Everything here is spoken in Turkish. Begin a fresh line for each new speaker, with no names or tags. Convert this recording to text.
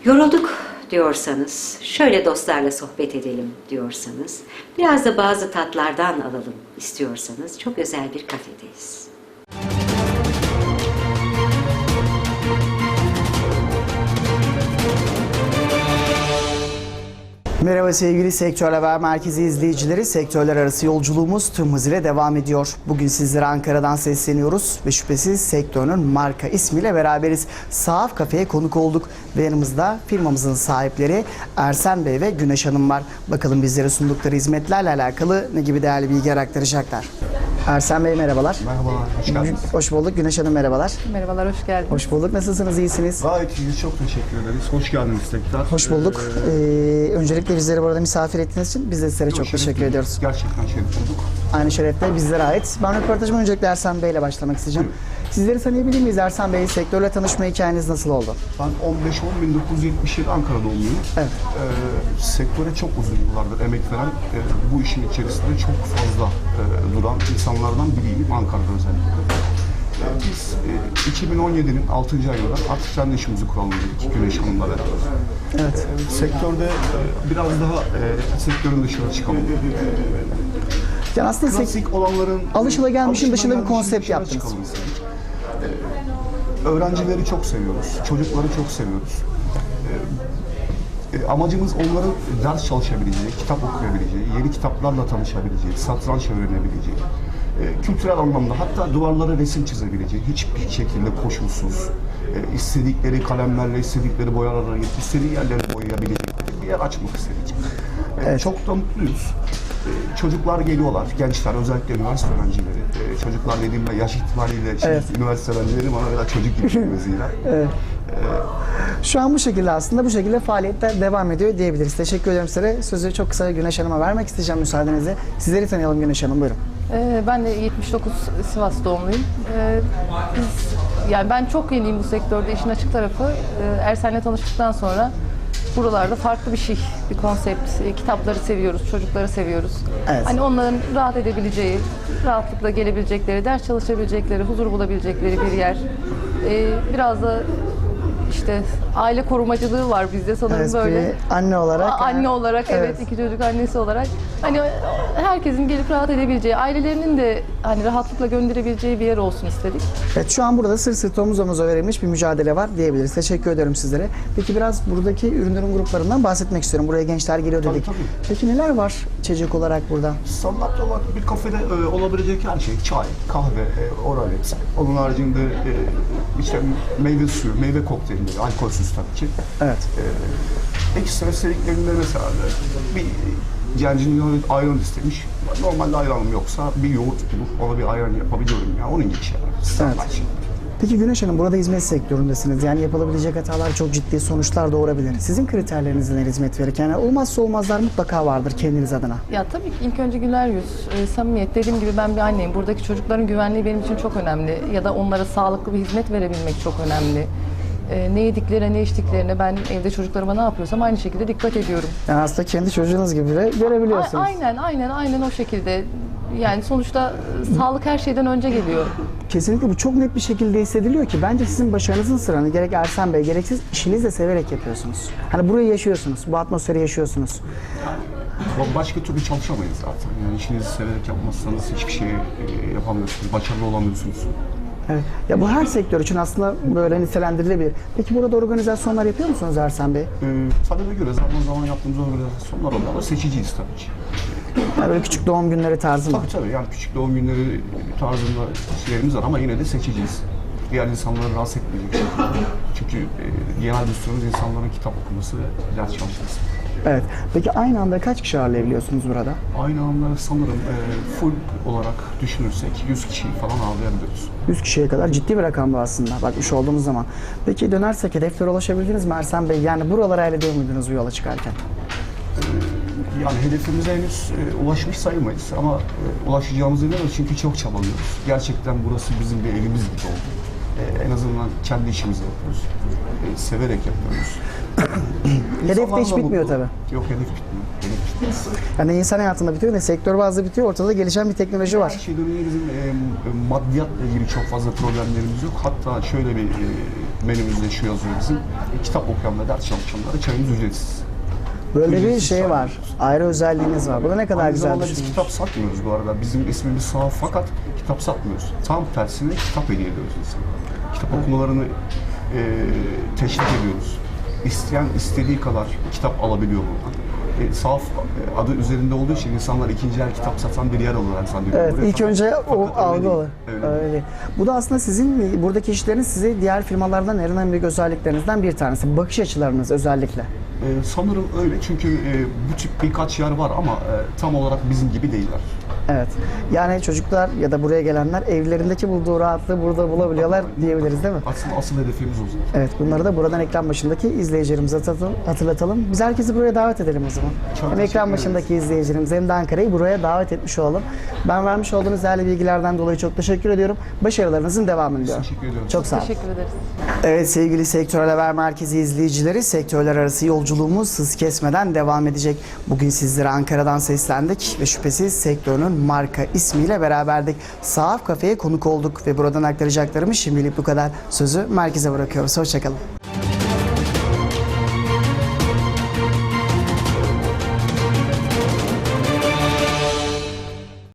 Yorulduk diyorsanız, şöyle dostlarla sohbet edelim diyorsanız, biraz da bazı tatlardan alalım istiyorsanız çok özel bir kafedeyiz.
Merhaba sevgili Sektör Haber Merkezi izleyicileri. Sektörler arası yolculuğumuz tüm hızıyla devam ediyor. Bugün sizlere Ankara'dan sesleniyoruz ve şüphesiz sektörün marka ismiyle beraberiz. Sahaf Kafe'ye konuk olduk ve yanımızda firmamızın sahipleri Ersen Bey ve Güneş Hanım var. Bakalım bizlere sundukları hizmetlerle alakalı ne gibi değerli bilgiler aktaracaklar. Ersen Bey merhabalar.
Merhabalar, hoş geldiniz.
Hoş bulduk. Güneş Hanım merhabalar.
Merhabalar, hoş geldiniz.
Hoş bulduk. Nasılsınız? İyisiniz?
Gayet iyiyiz, çok teşekkür ederiz. Hoş geldiniz tekrar.
Hoş bulduk. Öncelikle bizleri burada misafir ettiğiniz için biz de sizlere çok teşekkür ediyoruz.
Gerçekten şeref olduk.
Aynı şerefler bizlere ait. Ben röportajıma öncelikle Ersen Bey ile başlamak isteyeceğim. Sizleri tanıyabilir miyiz Ersen Bey? Sektörle tanışma hikayeniz nasıl oldu?
Ben 15-10-1977 Ankara doğumluyum.
Evet.
Sektöre çok uzun yıllardır emek veren, bu işin içerisinde çok fazla duran insanlardan biriyim Ankara'da özellikle. Biz 2017'nin 6. ayında artık kendi işimizi kuralım dedik Güneş Hanım'la beraber.
Evet.
Sektörde biraz daha sektörün dışına çıkalım.
Yani aslında
Klasik olanların
alışılagelmişin dışında bir
alışılagelmişin
konsept
dışına
yaptınız.
çıkalım istedik. Öğrencileri çok seviyoruz, çocukları çok seviyoruz. Amacımız onların ders çalışabileceği, kitap okuyabileceği, yeni kitaplarla tanışabileceği, satranç öğrenebileceği, kültürel anlamda hatta duvarlara resim çizebileceği, hiçbir şekilde koşulsuz, istedikleri kalemlerle, istedikleri boyalarla, istediği yerleri boyayabilecekleri bir yer açmak istedik.
Evet.
Çok da mutluyuz. Çocuklar geliyorlar, gençler, özellikle üniversite öğrencileri. Çocuklar dediğimde yaş itibariyle
Evet.
üniversite öğrencileri bana biraz çocuk gibi gözüyle.
Evet. Şu an bu şekilde aslında bu şekilde faaliyetler devam ediyor diyebiliriz. Teşekkür ederim size. Sözü çok kısa Güneş Hanım'a vermek isteyeceğim müsaadenizle. Sizleri tanıyalım Güneş Hanım, buyurun.
Ben de 79 Sivas doğumluyum. Yani ben çok yeniyim bu sektörde. İşin açık tarafı Ersen'le tanıştıktan sonra buralarda farklı bir konsept. Kitapları seviyoruz, çocukları seviyoruz.
Evet.
Hani onların rahat edebileceği, rahatlıkla gelebilecekleri, ders çalışabilecekleri, huzur bulabilecekleri bir yer. Biraz da işte aile korumacılığı var bizde sanırım
Evet,
böyle.
bir anne olarak.
Anne olarak evet,
Evet.
iki çocuk annesi olarak hani herkesin gelip rahat edebileceği, ailelerinin de hani rahatlıkla gönderebileceği bir yer olsun istedik.
Evet, şu an burada sırt sırta omuz omuza verilmiş bir mücadele var diyebiliriz. Teşekkür ederim sizlere. Peki biraz buradaki ürünlerin gruplarından bahsetmek istiyorum. Buraya gençler geliyor dedik.
Tabii.
Peki neler var içecek olarak burada?
Standart olarak bir kafede olabilecek her şey, çay, kahve, oralet. Onun haricinde işte meyve suyu, meyve kokteylleri, alkolsüz tabii ki.
Evet.
Ekstra istediklerinde mesela bir gencin ayran istemiş. Normalde ayranım yoksa bir yoğurt bulup ona bir ayran yapabiliyorum ya. Onun gibi şeyler. Standart şeyler.
Peki Güneş Hanım, burada hizmet sektöründesiniz. Yani yapılabilecek hatalar çok ciddi sonuçlar doğurabilir. Sizin kriterleriniz neler hizmet verirken? Yani olmazsa olmazlar mutlaka vardır kendiniz adına.
Ya tabii ki ilk önce güler yüz, samimiyet. Dediğim gibi ben bir anneyim. Buradaki çocukların güvenliği benim için çok önemli. Ya da onlara sağlıklı bir hizmet verebilmek çok önemli. Ne yediklerine, ne içtiklerine ben evde çocuklarıma ne yapıyorsam aynı şekilde dikkat ediyorum.
Yani aslında kendi çocuğunuz gibi de görebiliyorsunuz.
Aynen o şekilde. Yani sonuçta sağlık her şeyden önce geliyor.
Kesinlikle bu çok net bir şekilde hissediliyor ki bence sizin başarınızın sırrını gerek Ersen Bey gerek siz işinizi de severek yapıyorsunuz. Hani burayı yaşıyorsunuz, bu atmosferi yaşıyorsunuz.
Başka türlü çalışamayız zaten. Yani işinizi severek yapmazsanız hiçbir şey yapamıyorsunuz, başarılı olamıyorsunuz.
Evet. Ya bu her sektör için aslında böyle nitelendirilebilir. Peki burada organizasyonlar yapıyor musunuz Ersen Bey?
Talebe göre zaman yaptığımız organizasyonlar oluyor ama seçiciyiz tabii ki.
Yani böyle küçük doğum günleri tarzı mı?
Tabii yani küçük doğum günleri tarzında şeylerimiz var ama yine de seçiciyiz. Diğer insanları rahatsız etmeyecek şekilde. Çünkü genel düsturumuz insanların kitap okuması ve ders çalışması.
Evet. Peki aynı anda kaç kişi ağırlayabiliyorsunuz burada?
Aynı anda sanırım full olarak düşünürsek 100 kişiyi falan ağırlayabiliyoruz.
100 kişiye kadar ciddi bir rakam bu aslında bakmış olduğumuz zaman. Peki dönersek hedeflere ulaşabildiniz mi Ersen Bey? Yani buralara elde ediyor muydunuz bu yola çıkarken?
Yani hedefimize henüz ulaşmış sayılmayız ama ulaşacağımızı biliyoruz çünkü çok çabalıyoruz. Gerçekten burası bizim bir evimiz gibi oldu. En azından kendi işimizi yapıyoruz. Severek yapıyoruz.
Hedef de hiç bitmiyor tabii.
Yok, hedef bitmiyor. Hedef bitmiyor.
Yani insan hayatında bitiyor ne sektör bazlı bitiyor. Ortada gelişen bir teknoloji
Her
var.
şeyden önce bizim maddiyatla ilgili çok fazla problemlerimiz yok. Hatta şöyle bir menümüzde şu yazıyor bizim. Kitap okuyan ve ders çalışanlara çayımız ücretsiz.
Böyle bir
Ücretsiz
şey
çay
var.
veriyoruz.
Ayrı özelliğiniz var. Bu da ne kadar
Aynı
güzel
zamanda
bir
biz
şey.
kitap satmıyoruz bu arada. Bizim ismimiz Sahaf fakat kitap satmıyoruz. Tam tersine kitap hediye ediyoruz insanlara. Kitap okumalarını teşvik ediyoruz. İsteyen istediği kadar kitap alabiliyor buradan. Sahaf adı üzerinde olduğu için insanlar ikinci el kitap satan bir yer olarak zannediyor.
Evet,
burayı.
ilk önce o
fakat öyle
algı
değil.
olur.
Öyle.
Öyle. Bu da aslında sizin buradaki işleriniz sizi diğer firmalardan en büyük özelliklerinizden bir tanesi. Bakış açılarınız özellikle.
Sanırım öyle çünkü bu tip birkaç yer var ama tam olarak bizim gibi değiller.
Evet. Yani çocuklar ya da buraya gelenler evlerindeki bulduğu rahatlığı burada bulabiliyorlar diyebiliriz değil mi?
Aslında asıl hedefimiz o zaten.
Evet, bunları da buradan ekran başındaki izleyicilerimize hatırlatalım. Biz herkesi buraya davet edelim o zaman.
Çok
Hem
teşekkür
ekran
ederiz.
başındaki izleyicilerimiz hem de Ankara'yı buraya davet etmiş olalım. Ben vermiş olduğunuz değerli bilgilerden dolayı çok teşekkür ediyorum. Başarılarınızın devamını diliyorum.
Teşekkür ediyorum.
Çok sağ olun.
Teşekkür ederiz.
Evet sevgili Sektörel Haber Merkezi izleyicileri, sektörler arası yolculuğumuz hız kesmeden devam edecek. Bugün sizlere Ankara'dan seslendik ve şüphesiz sektörün marka ismiyle beraberdik. Sahaf Kafe'ye konuk olduk ve buradan aktaracaklarımız şimdilik bu kadar. Sözü merkeze bırakıyoruz. Hoşçakalın.